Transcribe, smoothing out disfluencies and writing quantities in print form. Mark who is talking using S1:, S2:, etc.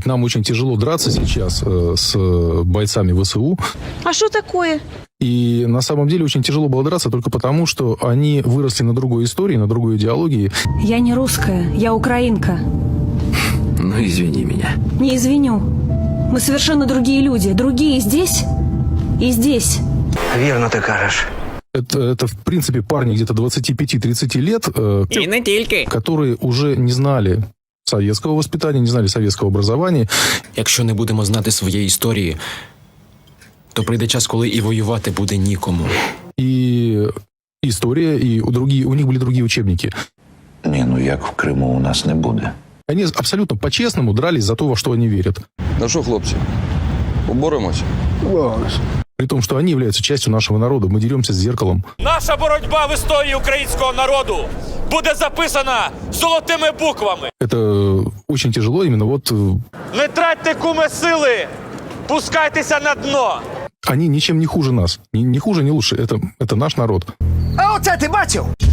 S1: Нам очень тяжело драться сейчас с бойцами ВСУ.
S2: А что такое?
S1: И на самом деле очень тяжело было драться только потому, что они выросли на другой истории, на другой идеологии.
S2: Я не русская, я украинка.
S3: Ну, извини меня.
S2: Не извиню. Мы совершенно другие люди. Другие здесь и здесь.
S4: Вірно ти кажеш.
S1: Это в принципе, парни где-то 25-30 лет,
S3: И не тільки.
S1: которые уже не знали советского воспитания, не знали советского образования.
S3: Якщо не будемо знати своєї історії, то прийде час, коли і воювати буде нікому.
S1: И история, и у них были другие учебники.
S5: Ні, ну як в Криму у нас не буде.
S1: Они абсолютно по-честному дрались за то, во что они верят.
S6: Ну що, хлопці, поборемось?
S1: При том, что они являются частью нашего народа. Мы деремся с зеркалом.
S7: Наша боротьба в історії українського народу буде записана золотими буквами.
S1: Это очень тяжело именно вот...
S7: Не тратьте, куме, сили, пускайтеся на дно.
S1: Они ничем не хуже нас. Не хуже, не лучше. Это наш народ.
S4: А оце ти бачив?